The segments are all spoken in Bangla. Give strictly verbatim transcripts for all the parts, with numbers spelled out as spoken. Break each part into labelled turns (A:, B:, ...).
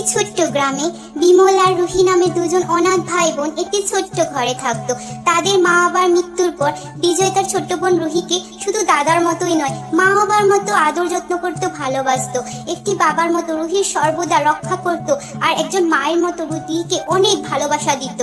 A: ছোট্ট গ্রামে বিমল আর রুহি নামে দুজন অনাথ ভাই বোন একটি ছোট্ট ঘরে থাকতো। তাদের মা বাবার মৃত্যুর পর বিজয় তার ছোট্ট বোন রুহিকে শুধু দাদার মতোই নয়, মা বাবার মতো আদর যত্ন করতো, ভালোবাসতো। একটি বাবার মতো রুহির সর্বদা রক্ষা করতো, আর একজন মায়ের মতো রুহিকে অনেক ভালোবাসা দিত।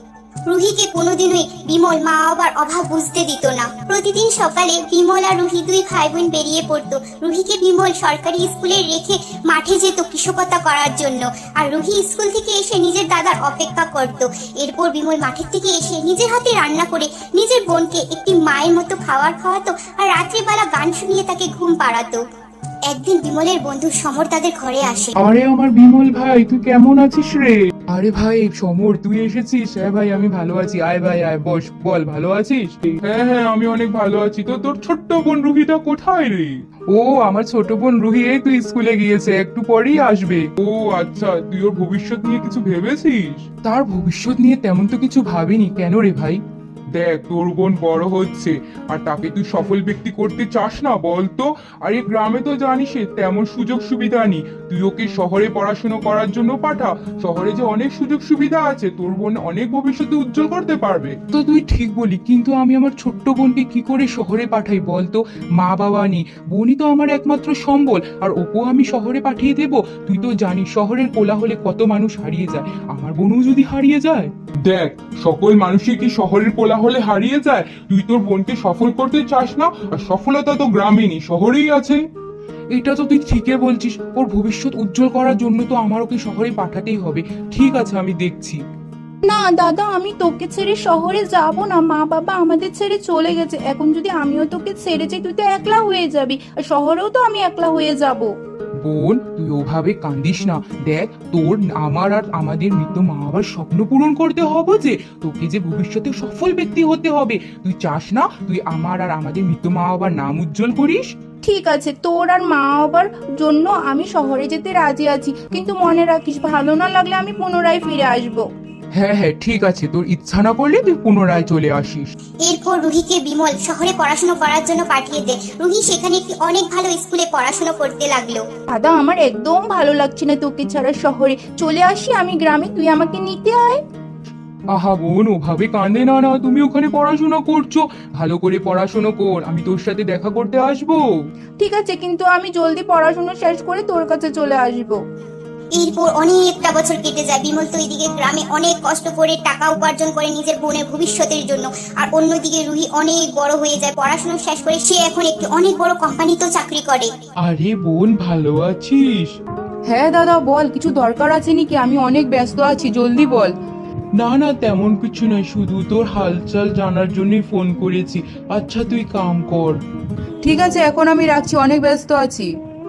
A: রুহিকে কোনোদিনই বিমল মা বাবার অভাব বুঝতে দিত না। প্রতিদিন সকালে বিমল আর রুহি দুই ভাই বোন বেরিয়ে পড়তো। রুহিকে বিমল সরকারি স্কুলে রেখে মাঠে যেত কৃষকতা করার জন্য, আর রুহি স্কুল থেকে এসে নিজের দাদার অপেক্ষা করত। এরপর বিমল মাঠের থেকে এসে নিজের হাতে রান্না করে নিজের বোনকে একটি মায়ের মতো খাবার খাওয়াতো, আর রাত্রিবেলা গান শুনিয়ে তাকে ঘুম পাড়াতো। একদিন বিমলের বন্ধু সমর তাদের ঘরে আসে।
B: আরে আমার বিমল ভাই, তুই কেমন আছিস রে? আরে ভাই সমর, তুই এসেছিস? হ্যাঁ ভাই আমি ভালো আছি, আয় ভাই আয়, বস, বল ভালো আছিস? হ্যাঁ হ্যাঁ আমি অনেক ভালো আছি। তো তোর ছোট্ট বোন রুহিটা কোথায় রে? ও আমার ছোট বোন রুহি এই তুই স্কুলে গিয়েছে, একটু পরেই আসবে। ও আচ্ছা, তুই ওর ভবিষ্যৎ নিয়ে কিছু ভেবেছিস? তার ভবিষ্যৎ নিয়ে তেমন তো কিছু ভাবিনি। কেন রে ভাই? দেখ, তোর বোন বড় হচ্ছে আর তাকে তুই সফল ব্যক্তি করতে চাস না বলতো? আর এই গ্রামে তো জানিস তেমন সুযোগ সুবিধা নেই। তুই ওকে শহরে পড়াশোনা করার জন্য পাঠা। শহরে যে অনেক সুযোগ সুবিধা আছে, তোর বোন অনেক ভবিষ্যতে উজ্জ্বল করতে পারবে। তো তুই ঠিক বলি, কিন্তু আমি আমার ছোট্ট বোনকে কি করে শহরে পাঠাই বলতো? মা বাবা নেই, বোনই তো আমার একমাত্র সম্বল, আর ওকেও আমি শহরে পাঠিয়ে দেব? তুই তো জানিস শহরের কোলাহলে কত মানুষ হারিয়ে যায়, আমার বোনও যদি হারিয়ে যায়। দেখ, সকল মানুষই কি শহরের কোলাহলে হারিয়ে যায়? তুই তোর বোনকে সফল করতে চাস না, আর সফলতা তো গ্রামে নেই, শহরেই আছে। এটা তো তুই ঠিকই বলছিস, ওর ভবিষ্যৎ উজ্জ্বল করার জন্য তো আমার ওকে শহরে পাঠাতেই হবে। ঠিক আছে, আমি দেখছি।
C: না দাদা, আমি তোকে ছেড়ে শহরে যাব না। মা বাবা আমাদের ছেড়ে চলে গেছে, এখন যদি আমিও তোকে ছেড়ে যাই তুই তো একলা হয়ে যাবি, আর শহরেও তো আমি একলা হয়ে যাব।
B: বোন, তুই ওভাবে কান্দিস না। দেখ, তোর আমার আর আমাদের মৃত মা বাবার স্বপ্ন পূরণ করতে হবে, যে তোকে যে ভবিষ্যতে সফল ব্যক্তি হতে হবে। তুই চাস না তুই আমার আর আমাদের মৃত মা বাবার নাম উজ্জ্বল করিস?
C: ঠিক আছে, তোর আর মা বাবার জন্য আমি শহরে যেতে রাজি আছি, কিন্তু মনে রাখিস ভালো না লাগলে আমি পুনরায় ফিরে আসবো।
B: হ্যাঁ হ্যাঁ ঠিক আছে, তোর ইচ্ছা না করলে তুই পুনরায় চলে আসিস।
A: এরপর রুহিকে বিমল শহরে পড়াশোনা করার জন্য পাঠিয়ে দেয়। রুহি সেখানে একটি অনেক ভালো স্কুলে পড়াশোনা করতে লাগলো।
C: দাদা, আমার একদম ভালো লাগছে না তোকে ছাড়া শহরে। চলে আসি আমি গ্রামে, তুই আমাকে নিতে আয়।
B: আহা বোন, ওভাবে কাঁদে না না, তুমি ওখানে পড়াশোনা করছো, ভালো করে পড়াশোনা কর, আমি তোর সাথে দেখা করতে আসবো।
C: ঠিক আছে, কিন্তু আমি জলদি পড়াশোনা শেষ করে তোর কাছে চলে আসবো।
A: এরপর অনেকটা বছর কেটে যায়। বিমল তো এদিকে গ্রামে অনেক কষ্ট করে টাকা উপার্জন করে নিজের বোনের ভবিষ্যতের জন্য, আর অন্যদিকে রুহি অনেক বড় হয়ে যায়। পড়াশোনা শেষ করে সে এখন একটি অনেক বড় কোম্পানিতেও চাকরি করে।
B: আরে বোন, ভালো আছিস?
C: হ্যাঁ দাদা বল, কিছু দরকার আছে নাকি? আমি অনেক ব্যস্ত আছি, জলদি বল।
B: না না তেমন কিছু নয়, শুধু তোর হালচাল জানার জন্যই ফোন করেছি। আচ্ছা তুই কাম কর।
C: ঠিক আছে, এখন আমি রাখছি, অনেক ব্যস্ত আছি।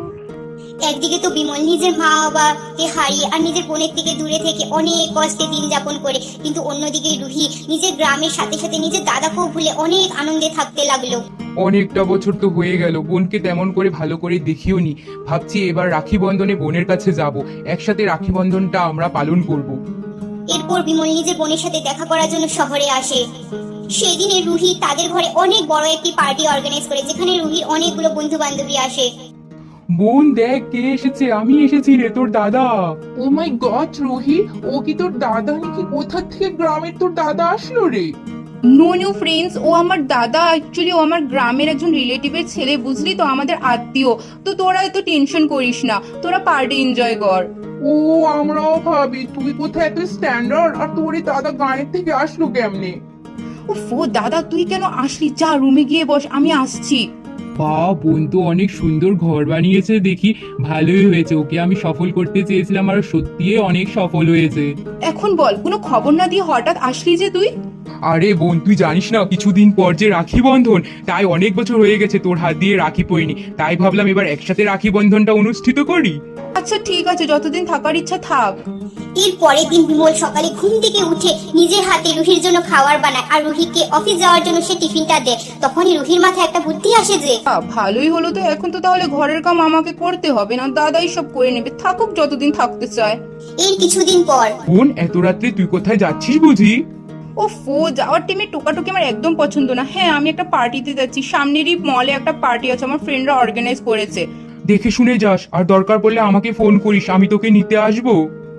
A: একদিকে তো বিমল নিজের মা বাবাকে হারিয়ে আর নিজের বোনের থেকে দূরে থেকে অনেক কষ্টে দিন যাপন করে, কিন্তু অন্যদিকে রুহি নিজের গ্রামের সাথে সাথে নিজের দাদাকেও ভুলে অনেক আনন্দে থাকতে লাগলো।
B: অনেকটা বছর তো হয়ে গেল, বোনকে তেমন করে ভালো করে দেখিও নি। ভাবছি এবার রাখি বন্ধনে বোনের কাছে যাব, একসাথে রাখি বন্ধনটা আমরা পালন করব।
A: এরপর বিমল নিজের বোনের সাথে দেখা করার জন্য শহরে আসে। সেদিনে রুহি তাদের ঘরে অনেক বড় একটি পার্টি অর্গানাইজ করে, যেখানে রুহির অনেকগুলো বন্ধু বান্ধবী আসে।
B: বোন দেখ কে এসেছে, আমি এসেছি রে, তোর দাদা। ও মাই গড রুহি, ও কি তোর দাদা নাকি? কোথা থেকে গ্রামের তোর দাদা আসলো রে?
C: নো নিউ ফ্রেন্ডস, ও আমার দাদা। অ্যাকচুয়ালি ও আমার গ্রামের একজন রিলেটিভের ছেলে, বুঝলি তো, আমাদের আত্মীয়। তো তোরা এত টেনশন করিস না, তোরা পার্টি এনজয় কর।
B: ও আমরাও ভাবি তুই কোথায় এত স্ট্যান্ডার্ড, আর তোর এই দাদা গানের থেকে আসলো কেমনে?
C: উফ, ও দাদা তুই কেন আসলি? যা রুমে গিয়ে বস, আমি আসছি।
B: বা বোন তো অনেক সুন্দর ঘর বানিয়েছে দেখি, ভালোই হয়েছে। ওকে আমি সফল করতে চেয়েছিলাম, আর সত্যি অনেক সফল হয়েছে।
C: এখন বল, কোনো খবর না দিয়ে হঠাৎ আসলি যে তুই?
B: আরে বোন, তুই জানিস না কিছুদিন পর যে রাখি বন্ধন, তাই অনেক বছর হয়ে গেছে তোর হাত দিয়ে রাখি পইনি, তাই ভাবলাম এবার একসাথে রাখি বন্ধনটা অনুষ্ঠিত করি।
C: আচ্ছা ঠিক আছে, যতদিন থাকার ইচ্ছা থাক।
A: এর পরের দিন বিমল সকালে ঘুম থেকে উঠে নিজের হাতে রুহির জন্য খাবার বানায়, আর রুহিকে অফিস যাওয়ার জন্য সে টিফিনটা দেয়। তখনই রুহির মাথায় একটা বুদ্ধি আসে যে
C: আহ, ভালোই হলো তো, এখন তো তাহলে ঘরের কাম আমাকে করতে হবে না, দাদাই সব করে নেবে, থাকুক যতদিন থাকতে চায়।
A: এর কিছুদিন পর
B: বোন, এত রাত্রে তুই কোথায় যাচ্ছিস বুঝি?
C: ও ফো, যাওয়ার টাইমে টোকাটুকি আমার একদম পছন্দ না। হ্যাঁ, আমি একটা পার্টিতে যাচ্ছি, সামনেরই মলে একটা পার্টি আছে, আমার ফ্রেন্ডরা অর্গানাইজ করেছে।
B: দেখে শুনে যাস, আর দরকার পড়লে আমাকে ফোন করিস, আমি তোকে নিতে আসবো।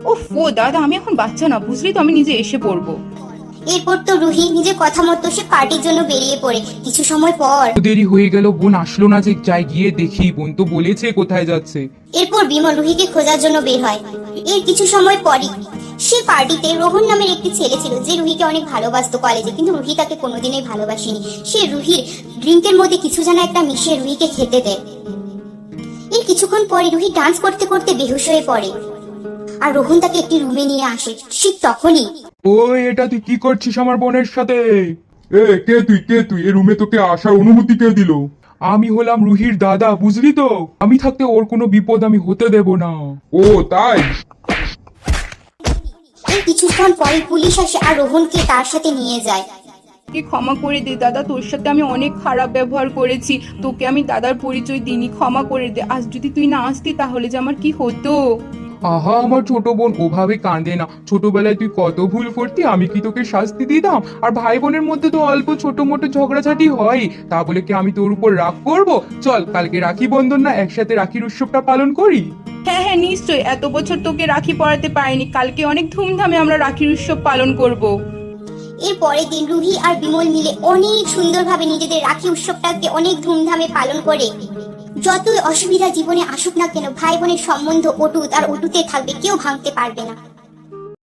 C: ওফ ও দাদা, আমি এখন বাচ্চা না, বুঝলি তো, আমি নিজে এসে পড়বো।
A: এরপর তো রুহি নিজের কথা মতো সে পার্টির জন্য বেরিয়ে পড়ে। কিছু সময় পর
B: দেরি হয়ে গেল, বোন আসলো না যে, যাই গিয়ে দেখি, বোন তো বলেছে কোথায় যাচ্ছে।
A: এরপর বিমল রুহিকে খোঁজার জন্য বের হয়। এর কিছু সময় পরই সে পার্টিতে রোহন নামের একটি ছেলে ছিল যে রুহিকে অনেক ভালোবাসতো কলেজে, কিন্তু রুহি তাকে কোনোদিনই ভালোবাসেনি। সে রুহির ড্রিঙ্কের মধ্যে কিছু যেন একটা মিশিয়ে রুহিকে খেতে দেয়। এর কিছুক্ষণ পরে রুহি ডান্স করতে করতে বেহুশ হয়ে পড়ে আর রোহন তাকে একটি রুমে নিয়ে আসে। ঠিক তখনই
B: ওই, এটা তুই কি করছিস আমার বোনের সাথে? এ কে তুই, কে তুই? এই রুমে তোকে আসার অনুমতি কে দিল? আমি হলাম রুহির দাদা, বুঝলি তো? আমি থাকতে ওর কোনো বিপদ আমি হতে দেব না। ও তাই?
A: এর কিছুক্ষণ পরে পুলিশ আসে আর রোহনকে তার সাথে নিয়ে যায়।
C: কি ক্ষমা করে দে দাদা, তোর সাথে আমি অনেক খারাপ ব্যবহার করেছি, তোকে আমি দাদার পরিচয় দিইনি, ক্ষমা করে দে। আজ যদি তুই না আসতি তাহলে যে আমার কি হতো।
B: আহা, আমার ছোট বোন ওভাবে কাঁদে না। ছোটবেলায় তুই কত ভুল করতি, আমি কি তোকে শাস্তি দিতাম? আর ভাই বোনের মধ্যে তো অল্প ছোট মোটো ঝগড়াঝাটি হয়, তা বলে কি আমি তোর উপর রাগ করব? চল, কালকে রাখি বন্ধন না, একসাথে রাখির উৎসবটা পালন করি।
C: হ্যাঁ হ্যাঁ নিশ্চয়ই, এত বছর তোকে রাখি পরাতে পারিনি, কালকে অনেক ধুমধামে আমরা রাখির উৎসব পালন করব।
A: এর পরের দিন রুহি আর বিমল মিলে অনেক সুন্দরভাবে নিজেদের রাখি উৎসবটাকে অনেক ধুমধামে পালন করে। যতই অসুবিধা জীবনে আসুক না কেন, ভাই বোনের সম্বন্ধ অটুট আর অটুতে থাকবে, কেউ ভাঙতে পারবে না।